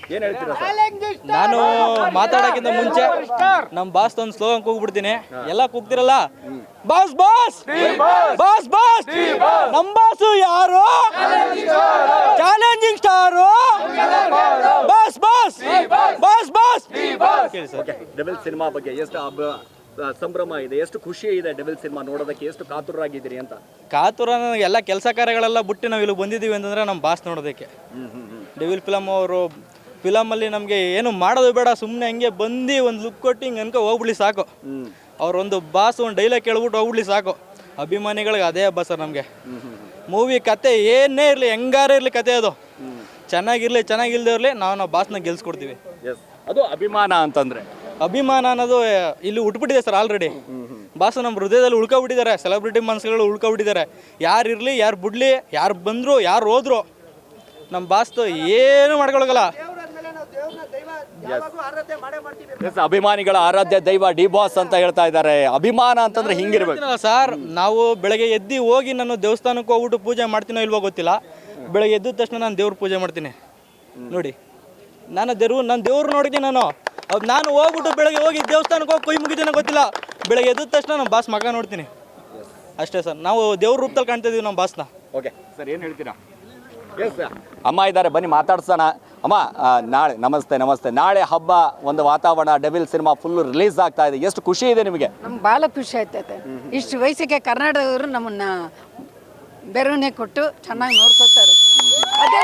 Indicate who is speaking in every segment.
Speaker 1: ಏನ್ ಹೇಳ್ತೀರಾ ಸರ್?
Speaker 2: ನಾನು ಮಾತಾಡೋಕ್ಕಿಂತ ಮುಂಚೆ ನಮ್ಮ ಬಾಸ್ ಒಂದು ಸ್ಲೋಗನ್ ಕೂಗ್ಬಿಡ್ತೀನಿ. ಎಲ್ಲ ಕೂಗ್ತಿರಲ್ಲ, ಬಾಸ್ ಬಾಸ್ ಬಾಸ್ ಬಾಸ್, ನಮ್ಮ ಬಾಸು ಯಾರು? Challenging star boss boss boss boss. ಕೇಳಿ ಸರ್.
Speaker 1: ಡೆವಿಲ್ ಸಿನಿಮಾ ಬಗ್ಗೆ ಎಷ್ಟು ಸಂಭ್ರಮ ಇದೆ, ಎಷ್ಟು ಖುಷಿ ಇದೆ ಡೆವಿಲ್ ಸಿನಿಮಾ ನೋಡೋದಕ್ಕೆ, ಎಷ್ಟು ಕಾತುರಾಗಿದ್ದೀರಿ ಅಂತ?
Speaker 2: ಕಾತುರ ಎಲ್ಲ ಕೆಲಸ ಕಾರ್ಯಗಳೆಲ್ಲ ಬಿಟ್ಟು ನಾವು ಇಲ್ಲಿ ಬಂದಿದ್ದೀವಿ ಅಂತಂದ್ರೆ ನಮ್ಮ ಬಾಸ್ ನೋಡೋದಕ್ಕೆ. ಡೆವಿಲ್ ಫಿಲಮ್ ಅವರು ಫಿಲಮಲ್ಲಿ ನಮಗೆ ಏನು ಮಾಡೋದು ಬೇಡ, ಸುಮ್ಮನೆ ಹಂಗೆ ಬಂದು ಒಂದು ಲುಕ್ ಕೊಟ್ಟು ಹಿಂಗೆ ಅನ್ಕೊ ಹೋಗ್ಬಿಡ್ಲಿ ಸಾಕು. ಅವ್ರೊಂದು ಬಾಸ್ ಒಂದು ಡೈಲಾಗ್ ಕೇಳ್ಬಿಟ್ಟು ಹೋಗ್ಬಿಡ್ಲಿ ಸಾಕು. ಅಭಿಮಾನಿಗಳಿಗೆ ಅದೇ ಹಬ್ಬ ಸರ್ ನಮಗೆ. ಮೂವಿ ಕತೆ ಏನೇ ಇರಲಿ, ಹೆಂಗಾರ ಇರಲಿ, ಕತೆ ಅದು ಚೆನ್ನಾಗಿರಲಿ ಚೆನ್ನಾಗಿಲ್ದೇ ಇರಲಿ, ನಾವು ಬಾಸ್ನ ಗೆಲ್ಸ್ಕೊಡ್ತೀವಿ.
Speaker 1: ಅದು ಅಭಿಮಾನ ಅಂತಂದ್ರೆ,
Speaker 2: ಅಭಿಮಾನ ಅನ್ನೋದು ಇಲ್ಲಿ ಉಟ್ಬಿಟ್ಟಿದೆ ಸರ್ ಆಲ್ರೆಡಿ. ಬಾಸು ನಮ್ಮ ಹೃದಯದಲ್ಲಿ ಉಳ್ಕೊಬಿಟ್ಟಿದ್ದಾರೆ, ಸೆಲೆಬ್ರಿಟಿ ಮನಸ್ಸುಗಳು ಉಳ್ಕೊಬಿಟ್ಟಿದ್ದಾರೆ. ಯಾರು ಇರಲಿ, ಯಾರು ಬಿಡಲಿ, ಯಾರು ಬಂದರು, ಯಾರು ಹೋದ್ರು, ನಮ್ಮ ಬಾಸ್ತು ಏನು ಮಾಡ್ಕೊಳಗಲ್ಲ.
Speaker 1: ಅಭಿಮಾನಿಗಳ ಆರಾಧ್ಯ ದೈವ ಡಿ ಬಾಸ್ ಅಂತ ಹೇಳ್ತಾ ಇದ್ದಾರೆ. ಅಭಿಮಾನ ಅಂತಂದ್ರೆ ಹಿಂಗಿರ್ಬೇಕು
Speaker 2: ಸರ್. ನಾವು ಬೆಳಗ್ಗೆ ಎದ್ದು ಹೋಗಿ ನಾನು ದೇವಸ್ಥಾನಕ್ಕೆ ಹೋಗ್ಬಿಟ್ಟು ಪೂಜೆ ಮಾಡ್ತೀನೋ ಇಲ್ವೋ ಗೊತ್ತಿಲ್ಲ. ಬೆಳಗ್ಗೆ ಎದ್ದ ತಕ್ಷಣ ನಾನು ದೇವ್ರ ಪೂಜೆ ಮಾಡ್ತೀನಿ ನೋಡಿ. ನಾನು ದೇವ್ರು ನೋಡಿದ್ದೀನಿ. ನಾನು ಹೋಗ್ಬಿಟ್ಟು ಬೆಳಗ್ಗೆ ಹೋಗಿ ದೇವಸ್ಥಾನಕ್ಕೆ ಹೋಗಿ ಕೊಯ್ ಮುಗಿತೀನೋ ಗೊತ್ತಿಲ್ಲ. ಬೆಳಗ್ಗೆ ಎದ್ದ ತಕ್ಷಣ ನಮ್ಮ ಬಾಸ್ ಮಗ ನೋಡ್ತೀನಿ ಅಷ್ಟೇ ಸರ್. ನಾವು ದೇವ್ರ ರೂಪದಲ್ಲಿ ಕಾಣ್ತಾ ಇದೀವಿ ನಮ್ಮ ಬಾಸ್ನ.
Speaker 1: ಓಕೆ ಸರ್, ಏನು ಹೇಳ್ತೀರಾ? ಅಮ್ಮ ಇದ್ದಾರೆ, ಬನ್ನಿ ಮಾತಾಡ್ಸೋಣ. ಅಮ್ಮ ನಾಳೆ ನಮಸ್ತೆ. ನಾಳೆ ಹಬ್ಬ, ಒಂದು ವಾತಾವರಣ, ಡೆವಿಲ್ ಸಿನಿಮಾ ಫುಲ್ ರಿಲೀಸ್ ಆಗ್ತಾ ಇದೆ, ಎಷ್ಟು ಖುಷಿ ಇದೆ ನಿಮಗೆ?
Speaker 3: ನಮ್ಗೆ ಭಾಳ ಖುಷಿ ಆಯ್ತೈತೆ. ಇಷ್ಟು ವಯಸ್ಸಿಗೆ ಕರ್ನಾಟಕದವರು ನಮ್ಮನ್ನ ಬೆರವಣಿಗೆ ಕೊಟ್ಟು ಚೆನ್ನಾಗಿ ನೋಡ್ಕೋತಾರೆ. ಅದೇ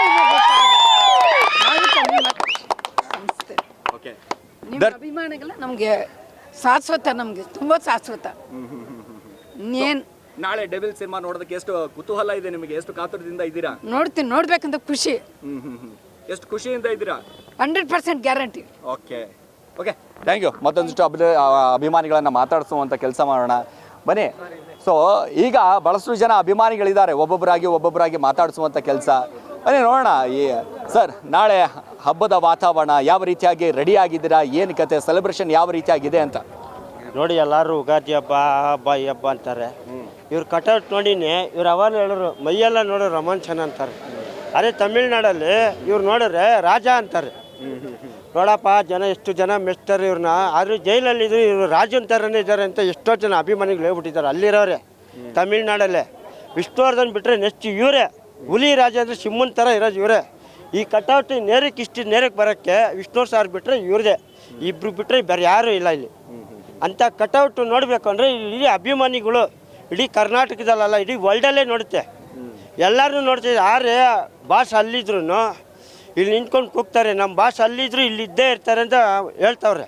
Speaker 3: ನಿಮ್ಮ ಅಭಿಮಾನಿಗಳ ನಮಗೆ ಶಾಶ್ವತ, ನಮಗೆ ತುಂಬ ಶಾಶ್ವತ. ಏನು
Speaker 1: ನಾಳೆ ಡೆವಿಲ್ ಸಿನಿಮಾ ನೋಡೋದಕ್ಕೆ ಎಷ್ಟು ಕುತೂಹಲ ಇದೆ ನಿಮಗೆ? ಎಷ್ಟು ಕಾತುರದಿಂದ ಇದ್ದೀರಾ?
Speaker 3: ನೋಡ್ಬೇಕಂತ ಖುಷಿ.
Speaker 1: ಎಷ್ಟು ಖುಷಿಯಿಂದ ಇದ್ದೀರಾ?
Speaker 3: 100% ಗ್ಯಾರಂಟಿ.
Speaker 1: Okay thank you. ಮತ್ತೊಂದಿಷ್ಟು ಅಭಿಮಾನಿಗಳನ್ನು ಮಾತಾಡಿಸುವಂಥ ಕೆಲಸ ಮಾಡೋಣ ಬನ್ನಿ. ಸೊ ಈಗ ಭಾಳಷ್ಟು ಜನ ಅಭಿಮಾನಿಗಳಿದ್ದಾರೆ, ಒಬ್ಬೊಬ್ಬರಾಗಿ ಮಾತಾಡಿಸುವಂಥ ಕೆಲಸ. ಬನ್ನಿ ನೋಡೋಣ. ಸರ್, ನಾಳೆ ಹಬ್ಬದ ವಾತಾವರಣ ಯಾವ ರೀತಿಯಾಗಿ ರೆಡಿ ಆಗಿದ್ದೀರಾ? ಏನು ಕತೆ, ಸೆಲೆಬ್ರೇಷನ್ ಯಾವ ರೀತಿಯಾಗಿದೆ ಅಂತ
Speaker 4: ನೋಡಿ. ಎಲ್ಲರೂ ಉಗಾದಿ ಹಬ್ಬ ಈ ಹಬ್ಬ ಅಂತಾರೆ. ಇವ್ರು ಕಟೌಟ್ ನೋಡಿನಿ, ಇವ್ರು ಅವಾಗ ಹೇಳೋರು ಮೈಯೆಲ್ಲ ನೋಡೋ ರೋಮಾಂಚನ ಅಂತಾರೆ. ಅದೇ ತಮಿಳ್ನಾಡಲ್ಲಿ ಇವ್ರು ನೋಡಿದ್ರೆ ರಾಜ ಅಂತಾರೆ. ನೋಡಪ್ಪ ಎಷ್ಟು ಜನ ಮೆಚ್ತಾರೆ ಇವ್ರನ್ನ. ಆದರೂ ಜೈಲಲ್ಲಿದ್ರು ಇವರು ರಾಜನ್ ಥರನೇ ಇದ್ದಾರೆ ಅಂತ ಎಷ್ಟೋ ಜನ ಅಭಿಮಾನಿಗಳು ಹೇಳ್ಬಿಟ್ಟಿದ್ದಾರೆ ಅಲ್ಲಿರೋರೆ. ತಮಿಳ್ನಾಡಲ್ಲೇ ವಿಷ್ಣುವರ್ಧನ್ ಬಿಟ್ಟರೆ ನೆಕ್ಸ್ಟ್ ಇವರೇ ಹುಲಿ ರಾಜ ಅಂದರೆ ಸಿಂಹನ ಥರ ಇರೋದು ಇವರೇ. ಈ ಕಟೌಟ್ ನೇರಕ್ಕೆ ಬರೋಕ್ಕೆ ವಿಷ್ಣು ಸಾರ್ ಬಿಟ್ಟರೆ ಇವ್ರದೇ, ಇಬ್ಬರು ಬಿಟ್ಟರೆ ಬೇರೆ ಯಾರೂ ಇಲ್ಲ ಇಲ್ಲಿ. ಅಂಥ ಕಟೌಟ್ ನೋಡಬೇಕು ಅಂದರೆ ಇಡೀ ಅಭಿಮಾನಿಗಳು ಇಡೀ ಕರ್ನಾಟಕದಲ್ಲ, ಇಡೀ ವರ್ಲ್ಡಲ್ಲೇ ನೋಡುತ್ತೆ. ಎಲ್ಲರೂ ನೋಡ್ತಿದ್ದೆ. ಆದ್ರೆ ಬಾಸ್ ಅಲ್ಲಿದ್ರು ಇಲ್ಲಿ ನಿಂತ್ಕೊಂಡು ಕೂಗ್ತಾರೆ, ನಮ್ಮ ಬಾಸ್ ಅಲ್ಲಿದ್ರು ಇಲ್ಲಿ ಇದ್ದೇ ಇರ್ತಾರೆ ಅಂತ ಹೇಳ್ತಾವ್ರೆ.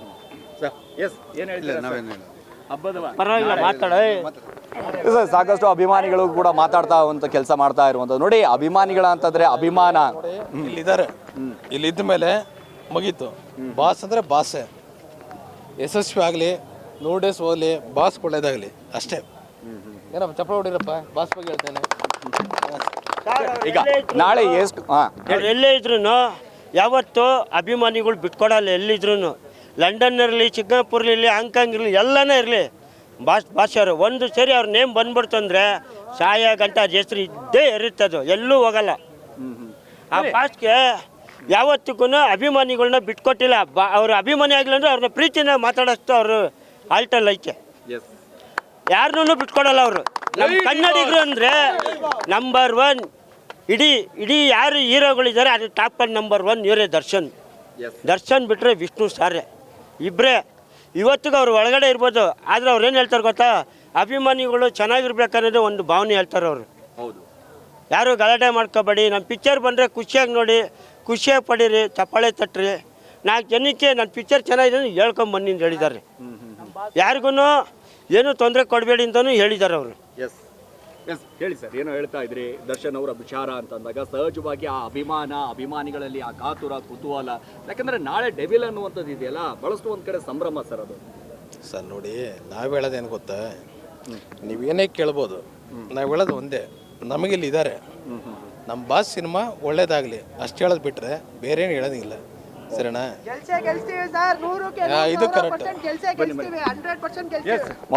Speaker 4: ಪರವಾಗಿಲ್ಲ ಮಾತಾಡ.
Speaker 1: ಸಾಕಷ್ಟು ಅಭಿಮಾನಿಗಳು ಕೂಡ ಮಾತಾಡ್ತಾ ಒಂದು ಕೆಲಸ ಮಾಡ್ತಾ ಇರುವಂಥದ್ದು ನೋಡಿ. ಅಭಿಮಾನಿಗಳ ಅಂತಂದ್ರೆ ಅಭಿಮಾನ
Speaker 5: ಇಲ್ಲಿದ್ದಾರೆ, ಇಲ್ಲಿದ್ದ ಮೇಲೆ ಮುಗೀತು. ಬಾಸ್ ಅಂದರೆ ಬಾಸೇ. ಯಶಸ್ವಿ ಆಗಲಿ, 100 ಡೇಸ್ ಹೋಗಲಿ, ಬಾಸ್ ಒಳ್ಳೇದಾಗಲಿ ಅಷ್ಟೇ. ಏನಪ್ಪ ಚಪ್ಪಳ ಹೊಡಿರಪ್ಪ, ಬಾಸ್ ಬಗ್ಗೆ ಹೇಳ್ತೇನೆ.
Speaker 1: ಈಗ ನಾಳೆ ಎಷ್ಟು
Speaker 4: ಎಲ್ಲೇ ಇದ್ರು ಯಾವತ್ತು ಅಭಿಮಾನಿಗಳು ಬಿಟ್ಕೊಡಲ್ಲ. ಎಲ್ಲಿದ್ರು ಲಂಡನ್ ಇರಲಿ, ಸಿಂಗಾಪುರ್ ಇರಲಿ, ಹಾಂಗ್ಕಾಂಗ್ ಇರಲಿ, ಎಲ್ಲನೇ ಇರಲಿ, ಭಾಷೆಯವರು ಒಂದು ಸರಿ ಅವ್ರ ನೇಮ್ ಬಂದ್ಬಿಡ್ತು ಅಂದರೆ ಸಾಯ ಗಂಟ ಹೆಸರು ಇದ್ದೇ ಇರುತ್ತದು, ಎಲ್ಲೂ ಹೋಗಲ್ಲ. ಆ ಭಾಷೆಗೆ ಯಾವತ್ತಿಗೂ ಅಭಿಮಾನಿಗಳನ್ನ ಬಿಟ್ಕೊಟ್ಟಿಲ್ಲ. ಅವ್ರ ಅಭಿಮಾನಿ ಆಗಿಲ್ಲ ಅಂದರೆ ಅವ್ರನ್ನ ಪ್ರೀತಿನ ಮಾತಾಡೋಷ್ಟು ಅವರು ಆಲ್ಟಲ್ ಐತೆ. ಯಾರನ್ನೂ ಬಿಟ್ಕೊಡಲ್ಲ ಅವರು. ನಮ್ಮ ಕನ್ನಡಿಗರು ಅಂದರೆ ನಂಬರ್ 1. ಇಡೀ ಯಾರು ಹೀರೋಗಳಿದ್ದಾರೆ ಅದು ಟಾಪ್ ನಂಬರ್ 1 ಇವರೇ. ದರ್ಶನ್ ಬಿಟ್ಟರೆ ವಿಷ್ಣು ಸಾರೇ, ಇಬ್ಬರೇ. ಇವತ್ತಿಗೂ ಅವ್ರು ಒಳಗಡೆ ಇರ್ಬೋದು, ಆದರೆ ಅವ್ರು ಏನು ಹೇಳ್ತಾರೆ ಗೊತ್ತಾ, ಅಭಿಮಾನಿಗಳು ಚೆನ್ನಾಗಿರ್ಬೇಕನ್ನೋದೇ ಒಂದು ಭಾವನೆ ಹೇಳ್ತಾರೆ ಅವರು. ಯಾರು ಗಲಾಟೆ ಮಾಡ್ಕೋಬೇಡಿ, ನಮ್ಮ ಪಿಕ್ಚರ್ ಬಂದರೆ ಖುಷಿಯಾಗಿ ನೋಡಿ, ಖುಷಿಯಾಗಿ ಪಡೀರಿ, ಚಪ್ಪಾಳೆ ತಟ್ರಿ, 4 ಜನಕ್ಕೆ ನನ್ನ ಪಿಕ್ಚರ್ ಚೆನ್ನಾಗಿದೆ ಹೇಳ್ಕೊಂಬನ್ನಿ ಅಂತ ಹೇಳಿದ್ದಾರೆ. ಯಾರಿಗೂ ಏನು ತೊಂದರೆ ಕೊಡಬೇಡಿ ಅಂತಲೂ ಹೇಳಿದ್ದಾರೆ ಅವರು.
Speaker 1: ಹೇಳಿ ಸರ್, ಏನೋ ಹೇಳ್ತಾ ಇದ್ರಿ ದರ್ಶನ್ ಅವರ ವಿಚಾರ ಅಂತಂದಾಗ ಸಹಜವಾಗಿ ಆ ಅಭಿಮಾನಿಗಳಲ್ಲಿ ಆ ಕಾತುರ, ಕುತೂಹಲ. ಯಾಕಂದ್ರೆ ನಾಳೆ ಡೆವಿಲ್ ಅನ್ನುವಂಥದ್ದು ಇದೆಯಲ್ಲ, ಬಹಳಷ್ಟು ಒಂದು ಕಡೆ ಸಂಭ್ರಮ ಸರ್ ಅದು.
Speaker 5: ಸರ್ ನೋಡಿ, ನಾವು ಹೇಳೋದೇನು ಗೊತ್ತಾ, ನೀವೇನೇ ಕೇಳ್ಬೋದು, ನಾವು ಹೇಳೋದು ಒಂದೇ, ನಮಗಿಲ್ಲಿ ಇದ್ದಾರೆ. ನಮ್ಮ ಬಾಸ್ ಸಿನಿಮಾ ಒಳ್ಳೇದಾಗಲಿ ಅಷ್ಟು ಹೇಳೋದು ಬಿಟ್ಟರೆ ಬೇರೆ ಏನು ಹೇಳೋದಿಲ್ಲ. ಸರಿನಾ? ಇದು ಕರೆಕ್ಟ್.